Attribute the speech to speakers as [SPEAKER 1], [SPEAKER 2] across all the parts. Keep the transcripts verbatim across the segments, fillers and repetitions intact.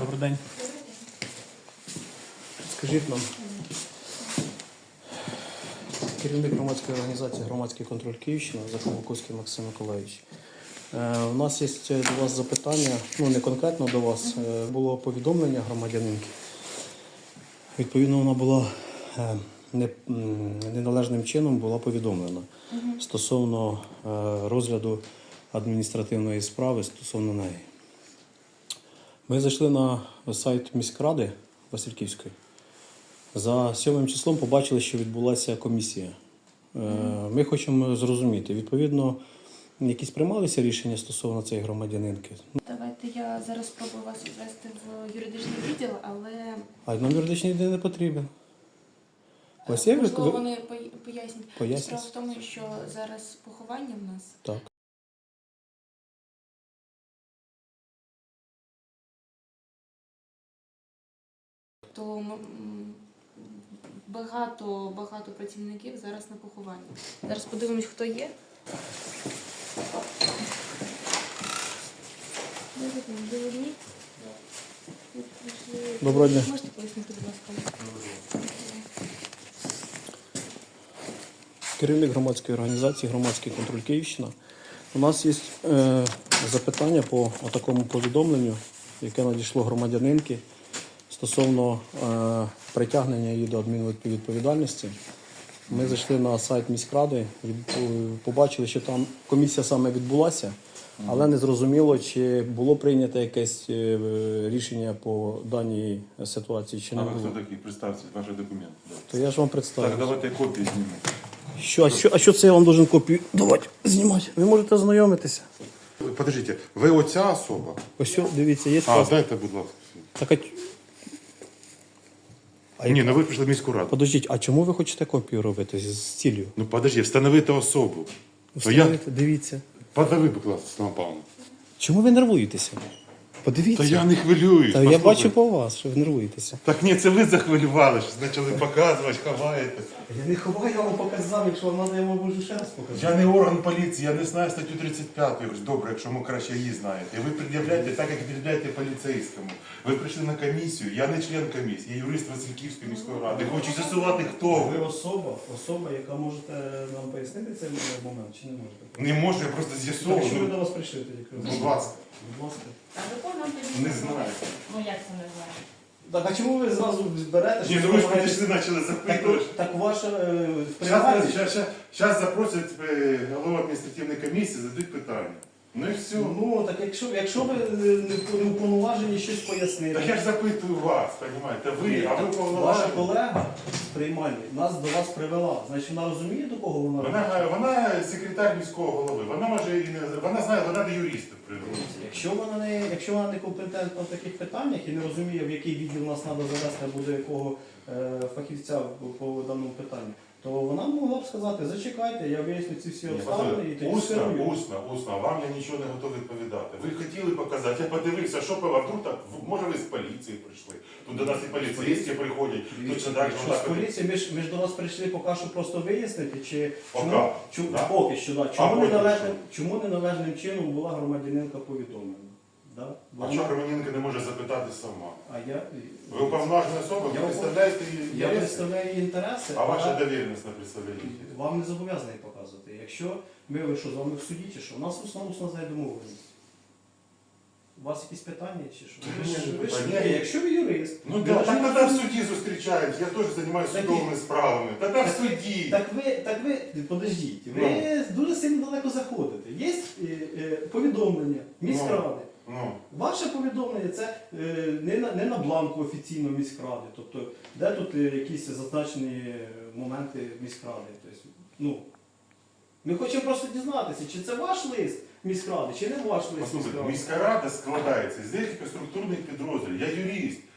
[SPEAKER 1] Добрий день. Скажіть нам, керівник громадської організації «Громадський контроль Київщина» Заховоковський Максим Миколаївич. Е, у нас є до вас запитання, ну не конкретно до вас, е, було повідомлення громадянинки. Відповідно, вона була е, не, неналежним чином була повідомлена угу. стосовно е, розгляду адміністративної справи стосовно неї. Ми зайшли на сайт міськради Васильківської. За сьомим числом побачили, що відбулася комісія. Ми хочемо зрозуміти, відповідно, якісь приймалися рішення стосовно цієї громадянинки?
[SPEAKER 2] Давайте я зараз спробую вас відвести в юридичний відділ, але...
[SPEAKER 1] А нам юридичний відділ не потрібен. Ось є
[SPEAKER 2] Можливо,
[SPEAKER 1] ви...
[SPEAKER 2] вони пояснять.
[SPEAKER 1] Пояснять.
[SPEAKER 2] Справа в тому, що зараз поховання в нас.
[SPEAKER 1] Так.
[SPEAKER 2] То багато, багато працівників зараз на похованні. Зараз подивимось, хто є.
[SPEAKER 1] Доброго дня.
[SPEAKER 2] Можете пояснити, будь ласка?
[SPEAKER 1] Керівник громадської організації «Громадський контроль Київщина». У нас є е, запитання по такому повідомленню, яке надійшло громадянинки стосовно е, притягнення її до адмінвідповідальності. Ми зайшли на сайт міськради, від, побачили, що там комісія саме відбулася, але не зрозуміло, чи було прийнято якесь е, рішення по даній ситуації, чи не було.
[SPEAKER 3] А ви хто такий? Представте, ваші документи.
[SPEAKER 1] То я ж вам представлю.
[SPEAKER 3] Так, давайте копії знімемо.
[SPEAKER 1] Що, а, що, а що це я вам должен копію давати, знімати? Ви можете ознайомитися.
[SPEAKER 3] Подождите, ви оця особа?
[SPEAKER 1] Ось, дивіться, є
[SPEAKER 3] А,
[SPEAKER 1] паспорт.
[SPEAKER 3] дайте, будь ласка.
[SPEAKER 1] Так, а... А
[SPEAKER 3] Ні, ну ви прийшли в міську раду.
[SPEAKER 1] Подождіть, а чому ви хочете копію робити з, з цілею?
[SPEAKER 3] Ну подожди, встановити особу.
[SPEAKER 1] Встановити, дивіться.
[SPEAKER 3] Подави, будь ласка, Степан Павловна.
[SPEAKER 1] Чому ви нервуєтеся? Подивіться.
[SPEAKER 3] Та я не хвилююсь.
[SPEAKER 1] Та я
[SPEAKER 3] послухай.
[SPEAKER 1] бачу по вас, що ви нервуєтеся.
[SPEAKER 3] Так ні, це ви захвилювали, що почали показувати, ховаєте.
[SPEAKER 1] Я не ховаю, я вам показав, якщо вам треба, я вам можу ще раз показати.
[SPEAKER 3] Я не орган поліції, я не знаю статтю тридцять п'яту. Добре, якщо ми краще її знаєте. І ви пред'являєте так, як пред'являєте поліцейському. Ви прийшли на комісію, я не член комісії, я юрист Васильківської міської ради. Хочу з'ясувати, хто
[SPEAKER 1] Ви
[SPEAKER 3] ви.
[SPEAKER 1] особа, особа, яка можете нам пояснити цей момент, чи не можете?
[SPEAKER 3] Не можу, я просто
[SPEAKER 1] Так, що ви
[SPEAKER 3] з'ясовую.
[SPEAKER 1] до вас прийшли тоді?
[SPEAKER 3] Будь ласка.
[SPEAKER 1] Будь ласка.
[SPEAKER 2] А закон нам
[SPEAKER 3] Не знаю.
[SPEAKER 2] Ну як це не знаю?
[SPEAKER 1] Так, а чому ви зразу берете?
[SPEAKER 3] Ні, ну ви ж підійшли, почали запитувати.
[SPEAKER 1] Так, так ваше е, в
[SPEAKER 3] Зараз
[SPEAKER 1] приймальні-
[SPEAKER 3] запросять е, голову адміністративної комісії, зададуть питання. Ну і все.
[SPEAKER 1] Ну, так якщо, якщо ви не, не уповноважені щось пояснити.
[SPEAKER 3] Так я ж запитую вас, розумієте, ви, а ви
[SPEAKER 1] Ваша
[SPEAKER 3] повноважені.
[SPEAKER 1] колега з приймальні нас до вас привела. Значить, вона розуміє, до кого вона
[SPEAKER 3] Вона, вона секретар міського голови, вона може і не вона знає, вона до юриста привела.
[SPEAKER 1] Якщо вона не, якщо вона не компетентна в таких питаннях і не розуміє, в який відділ нас треба завести або до якого е, фахівця по, по даному питанню, то вона могла б сказати, зачекайте, я виясню ці всі обставини і тоді
[SPEAKER 3] Усно,
[SPEAKER 1] скерую.
[SPEAKER 3] усно, усно, вам я нічого не готовий відповідати. Ви хотіли показати, я подивився, що по вдруг так, може ви з поліції прийшли. Тут до нас і поліцейські приходять, точно так же.
[SPEAKER 1] Що з поліції, ми ж, ми ж до вас прийшли поки що просто вияснити, чи
[SPEAKER 3] Пока,
[SPEAKER 1] чому, чому,
[SPEAKER 3] да?
[SPEAKER 1] поки що, да,
[SPEAKER 3] А
[SPEAKER 1] чому,
[SPEAKER 3] потім
[SPEAKER 1] неналежним,
[SPEAKER 3] що?
[SPEAKER 1] чому неналежним чином була громадянинка повідомлена. Да?
[SPEAKER 3] А чого Романенко не може запитати сама?
[SPEAKER 1] А я,
[SPEAKER 3] Ви уповноважена особа, ви
[SPEAKER 1] Я
[SPEAKER 3] представляєте її
[SPEAKER 1] я
[SPEAKER 3] інтереси?
[SPEAKER 1] представляю її інтереси,
[SPEAKER 3] А ваша
[SPEAKER 1] але
[SPEAKER 3] довіреність не представляє її?
[SPEAKER 1] вам не зобов'язаний показувати. Якщо ми ви що, з вами в суді чи що, у нас основно знає домовленість. У вас якісь питання чи що? Ви ж-
[SPEAKER 3] Ні,
[SPEAKER 1] ви ж-
[SPEAKER 3] питання.
[SPEAKER 1] ні, якщо ви юрист,
[SPEAKER 3] Ну
[SPEAKER 1] ви
[SPEAKER 3] да,
[SPEAKER 1] должны
[SPEAKER 3] так тоді в суді зустрічають, я теж займаюся
[SPEAKER 1] Так і-
[SPEAKER 3] судовими справами. Тоді в суді.
[SPEAKER 1] Так ви, так ви, подождіть, ви дуже сильно далеко заходите. Є е, е, повідомлення міськради.
[SPEAKER 3] Ну,
[SPEAKER 1] Ваше повідомлення це е, не, на, не на бланку офіційно міськради. Тобто, де тут е, якісь зазначені моменти міськради. Тобто, ну, ми хочемо просто дізнатися, чи це ваш лист міськради, чи не ваш лист
[SPEAKER 3] послухайте,
[SPEAKER 1] міськради.
[SPEAKER 3] міська рада складається з декілька структурних підрозділів. Я юрист.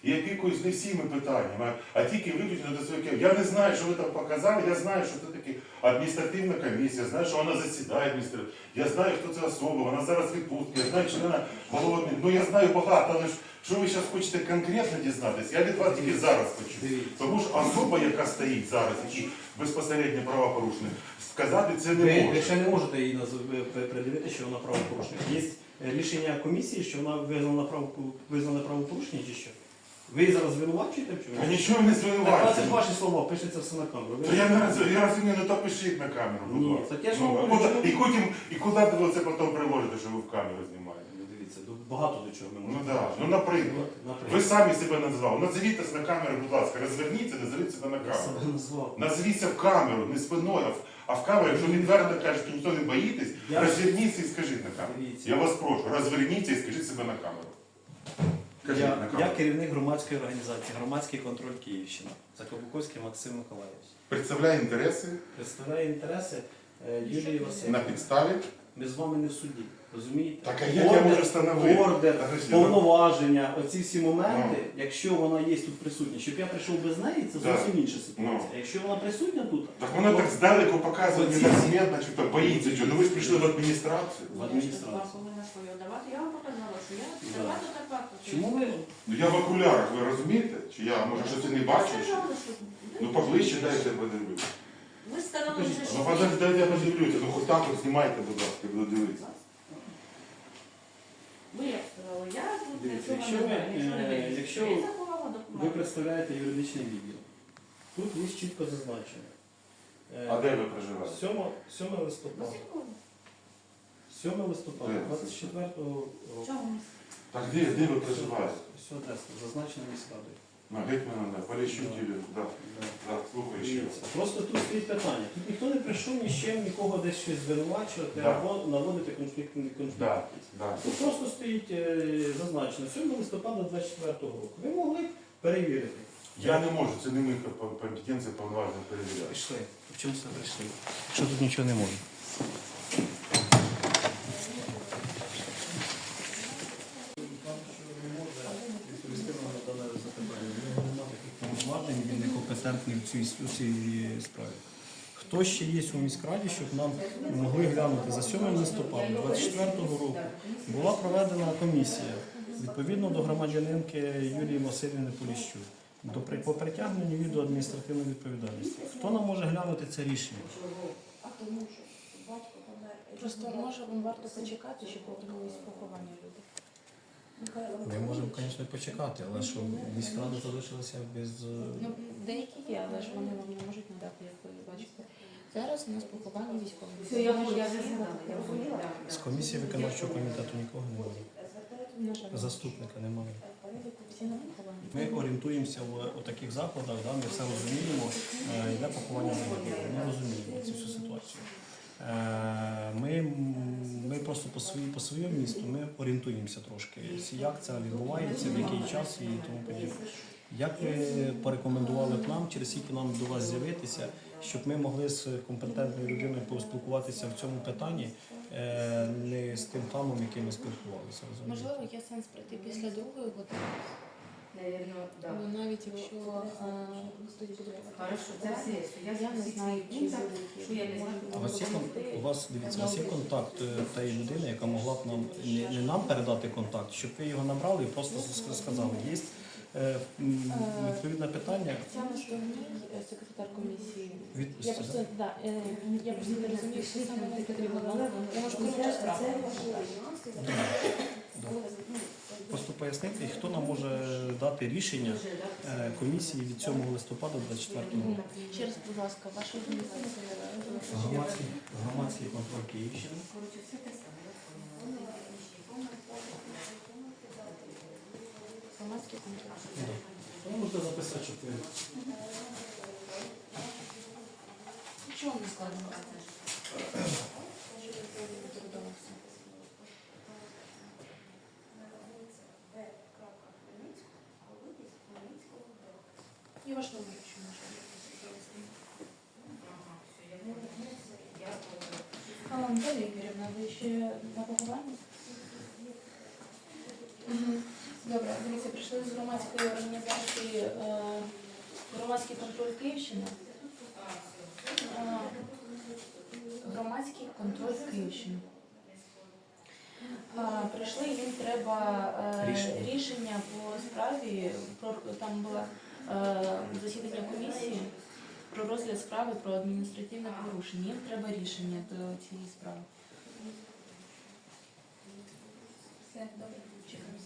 [SPEAKER 3] І опікуюсь не всіми питаннями, а, а тільки виключно до своїх. Я не знаю, що ви там показали, я знаю, що це таке адміністративна комісія, знаю, що вона засідає адміністративно. Я знаю, хто це особа, вона зараз відпустка, я знаю члена голови. Ну я знаю багато, але ж що ви зараз хочете конкретно дізнатися, я від вас тільки зараз хочу. Тому що особа, яка стоїть зараз, які безпосередньо правопорушник, сказати це не
[SPEAKER 1] Ви, ви
[SPEAKER 3] може.
[SPEAKER 1] ще не можете її назв- придивити, що вона правопорушник. Є рішення комісії, що вона визнана, право, визнана правопорушення чи що? Ви її зараз звинувачуєте в
[SPEAKER 3] Я
[SPEAKER 1] чому?
[SPEAKER 3] нічого не
[SPEAKER 1] Так, це ж
[SPEAKER 3] звинувачую.
[SPEAKER 1] ваші слова, пишеться все на камеру. Ви-
[SPEAKER 3] То я не роз- я розумію, ну то пишіть на камеру, будь
[SPEAKER 1] Ні,
[SPEAKER 3] ласка.
[SPEAKER 1] так я ж
[SPEAKER 3] Ну,
[SPEAKER 1] вам
[SPEAKER 3] а
[SPEAKER 1] говорю,
[SPEAKER 3] куди-
[SPEAKER 1] що-
[SPEAKER 3] І потім, і куди ви це потім приводите, що ви в камеру знімаєте?
[SPEAKER 1] Ну, Дивіться, до- багато до чого ми
[SPEAKER 3] Ну
[SPEAKER 1] можемо.
[SPEAKER 3] так, ну наприклад.
[SPEAKER 1] Наприклад.
[SPEAKER 3] Ви самі себе назвали. Назвіть на камеру, будь ласка, розверніться, назовіть себе на
[SPEAKER 1] Я
[SPEAKER 3] камеру.
[SPEAKER 1] себе назвав.
[SPEAKER 3] Назвіться в камеру, не спиною, а в- а в камеру, якщо відверто кажете, ніхто не боїтесь,
[SPEAKER 1] Я-
[SPEAKER 3] розверніться і скажіть на камеру.
[SPEAKER 1] Дивіться.
[SPEAKER 3] Я вас прошу, розверніться і скажіть себе на камеру. Кажіть
[SPEAKER 1] Я,
[SPEAKER 3] на камеру.
[SPEAKER 1] я керівник громадської організації «Громадський контроль Київщина». Закобуковський Максим Миколаївич.
[SPEAKER 3] Представляю інтереси
[SPEAKER 1] Представляє інтереси е, Юлії
[SPEAKER 3] на
[SPEAKER 1] Васильівни.
[SPEAKER 3] підставі.
[SPEAKER 1] Ми з вами не в суді, розумієте?
[SPEAKER 3] Так, а як я можу встановити?
[SPEAKER 1] Ордер,
[SPEAKER 3] Подожди,
[SPEAKER 1] повноваження, оці всі моменти,
[SPEAKER 3] Ну.
[SPEAKER 1] якщо вона є тут присутня, щоб я прийшов без неї, це зовсім
[SPEAKER 3] Так.
[SPEAKER 1] інша ситуація.
[SPEAKER 3] Ну.
[SPEAKER 1] Якщо вона присутня тут,
[SPEAKER 3] Так вона
[SPEAKER 1] то
[SPEAKER 3] так здалеку показує
[SPEAKER 1] Оці-
[SPEAKER 3] незаметно, чи то боїться, що. Ну ви ж прийшли в адміністрацію.
[SPEAKER 1] в адміністрації.
[SPEAKER 4] Вам повинна свою давати. Я вам показала, що я
[SPEAKER 1] Да.
[SPEAKER 4] давати так факту.
[SPEAKER 1] Чому ви?
[SPEAKER 3] Ну я в окулярах, ви розумієте? Чи я, може, щось і не бачу?
[SPEAKER 4] Ви
[SPEAKER 3] Чи?
[SPEAKER 4] сказали, що...
[SPEAKER 3] Ну поближче дайте я подивлюся.
[SPEAKER 4] Ви сказали,
[SPEAKER 1] Покажіть.
[SPEAKER 4] вже, що...
[SPEAKER 3] Ну подожди, дайте я подивлюся. Ну хоч так от знімайте, будь ласка, я буду дивитися.
[SPEAKER 4] Ви як сказали, я тут
[SPEAKER 1] Дивіться,
[SPEAKER 4] цього
[SPEAKER 1] якщо
[SPEAKER 4] не
[SPEAKER 1] ви,
[SPEAKER 4] знаю, нічого не
[SPEAKER 1] е,
[SPEAKER 4] вирішую.
[SPEAKER 1] якщо
[SPEAKER 4] Я заховала
[SPEAKER 1] Ви
[SPEAKER 4] документи.
[SPEAKER 1] представляєте юридичний відділ. Тут є чітко зазначено. Е,
[SPEAKER 3] А де ви проживаєте?
[SPEAKER 1] сьоме листопада.
[SPEAKER 4] Василькові.
[SPEAKER 1] сьоме листопада,
[SPEAKER 3] Де?
[SPEAKER 1] двадцять четвертого
[SPEAKER 4] В
[SPEAKER 1] року.
[SPEAKER 4] чому?
[SPEAKER 3] Так де, де ви проживаєте?
[SPEAKER 1] Все адресно, зазначено міськрадою.
[SPEAKER 3] На Гетьмана, да, Поліщук Юлію, да. Да, слухаю ще.
[SPEAKER 1] Дивіться, просто тут стоїть питання. Тут ніхто не прийшов ні з чим, нікого десь щось звинувачувати
[SPEAKER 3] Да.
[SPEAKER 1] або наводити конфлікт. конфлікт.
[SPEAKER 3] Да, да.
[SPEAKER 1] Тут просто стоїть е, зазначено сьоме листопада двадцять четвертого року. Ви могли б перевірити.
[SPEAKER 3] Я не можу, це не моя компетенція повноваження перевіряти.
[SPEAKER 1] Пішли. В чому це прийшли? Якщо тут нічого не можна. Повноважень, він некомпетентний в цій, у цій справі. Хто ще є у міськраді, щоб нам могли глянути за сьоме листопада двадцять четвертого року була проведена комісія відповідно до громадянинки Юлії Васильівни Поліщук до при- по притягненню її до адміністративної відповідальності. Хто нам може глянути це рішення?
[SPEAKER 2] Просто може вам варто почекати, щоб повернулись поховання люди.
[SPEAKER 1] Ми можемо, звісно, почекати, але що міськрада залишилася без.
[SPEAKER 2] Ну, деякі є, але ж вони вам не можуть надати, як ви бачите. Зараз у нас поховання військових.
[SPEAKER 4] Все, я я зрозуміла, я розуміла.
[SPEAKER 1] З комісії виконавчого комітету нікого немає.
[SPEAKER 2] На жаль,
[SPEAKER 1] Заступника немає.
[SPEAKER 2] всі на поховання.
[SPEAKER 1] Ми орієнтуємося в у таких закладах, да, ми все розуміємо, е, йде поховання загиблих. Ми розуміємо цю всю ситуацію. Е, Ми, ми просто по, свої, по своєму місту ми орієнтуємося трошки, як це відбувається, в який час і тому подібне. Як ви порекомендували б нам, через скільки нам до вас з'явитися, щоб ми могли з компетентною людиною поспілкуватися в цьому питанні, е, не з тим хамом, яким ми спілкувалися. розумієте?
[SPEAKER 2] Можливо, є сенс прийти після другої години,
[SPEAKER 4] Наверно, да.
[SPEAKER 2] але навіть якщо а, тоді буде
[SPEAKER 4] Хорошо, це все. Я
[SPEAKER 2] я не знаю, чи
[SPEAKER 4] пунктах,
[SPEAKER 2] будуть.
[SPEAKER 4] що я не знаю.
[SPEAKER 1] А у вас є кон- у вас дивіться, у вас є контакт е, тієї людини, яка могла б нам не, не нам передати контакт, щоб ви його набрали і просто с- сказали, є е, м, відповідне питання.
[SPEAKER 2] Тетяна Стогній, е, секретар комісії.
[SPEAKER 1] Від
[SPEAKER 2] Я просто, да, е, я просто не розумію, що саме мені потрібно. нам. Я можу коротше справу.
[SPEAKER 1] Просто пояснити, хто нам може дати рішення е, комісії від сьомого листопада двадцять четвертого року.
[SPEAKER 2] Ще раз, будь ласка, ваша організація.
[SPEAKER 1] Громадський, громадський контроль Київщини.
[SPEAKER 2] Громадський контроль.
[SPEAKER 1] Ви можете записати, щоб ви.
[SPEAKER 2] Чого не складно? І ваш номер, якщо можна. Наталія Ігорівна, ви ще на похованні? Угу. Добре, дивіться, прийшли з громадської організації е, Громадський контроль Київщини. Е, Громадський контроль Київщини. Е, Прийшли, їм треба е,
[SPEAKER 1] Рішення.
[SPEAKER 2] рішення по справі. Про, там було е, засідання комісії про розгляд справи про адміністративне порушення. Їм треба рішення до цієї справи. Все, добре, чекаємо.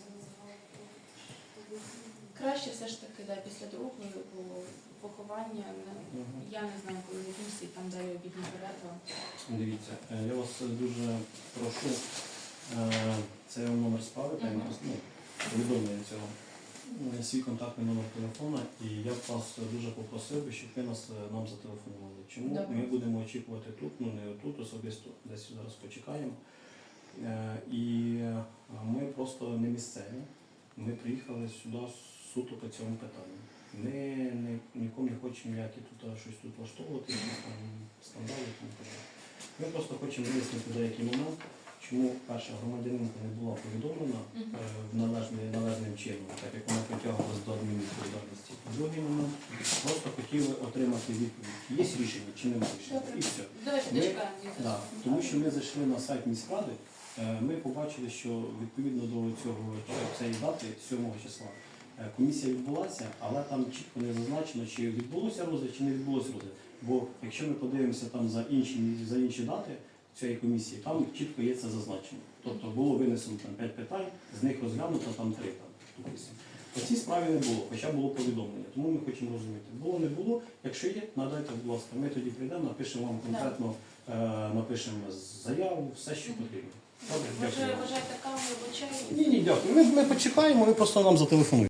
[SPEAKER 2] Краще все ж таки, да, після другої, бо поховання, не-
[SPEAKER 1] Мгм.
[SPEAKER 2] я не знаю, коли закінчиться, і там далі обідня перерва.
[SPEAKER 1] Дивіться, е, я вас дуже прошу, е, це номер справи, та
[SPEAKER 2] Мгм.
[SPEAKER 1] ну, повідомлення цього, е, свій контактний номер телефона, і я б вас дуже попросив би, щоб ви нас е, нам зателефонували. Чому
[SPEAKER 2] Добре.
[SPEAKER 1] ми будемо очікувати тут, ну не тут особисто, десь зараз почекаємо. Е, І е, ми просто не місцеві. Ми приїхали сюди суто по цьому питанню. Ми не, нікому не хочемо ніякі тут а, щось тут влаштовувати, якісь там скандали і тому подібне. Ми просто хочемо вияснити деякий момент, чому перша громадянинка не була повідомлена е,
[SPEAKER 2] Мгм.
[SPEAKER 1] в належний, належним чином, так як вона притягувалась до адмінвідповідальності. Другий момент, просто хотіли отримати відповідь, є рішення чи немає рішення.
[SPEAKER 2] Добре.
[SPEAKER 1] І все.
[SPEAKER 2] Давайте
[SPEAKER 1] Ми-
[SPEAKER 2] дочекаємо.
[SPEAKER 1] Да, тому що ми зайшли на сайт міськради, е, ми побачили, що відповідно до цього цієї дати, сьомого числа, е, комісія відбулася, але там чітко не зазначено, чи відбулося розгляд, чи не відбулося розгляд. Бо якщо ми подивимося там за інші, за інші дати цієї комісії, там чітко є це зазначено. Тобто було винесено там п'ять питань, з них розглянуто там три там, допустимо. По цій справі не було, хоча було повідомлення. Тому ми хочемо розуміти. Було, не було. Якщо є, надайте, будь ласка, ми тоді прийдемо, напишемо вам конкретно, е, напишемо заяву, все, що потрібно. Добре,
[SPEAKER 2] Може,
[SPEAKER 1] дякую.
[SPEAKER 2] вважаєте каву або чай?
[SPEAKER 1] Ні, ні, дякую. Ми, ми почекаємо, ви просто нам зателефонуєте.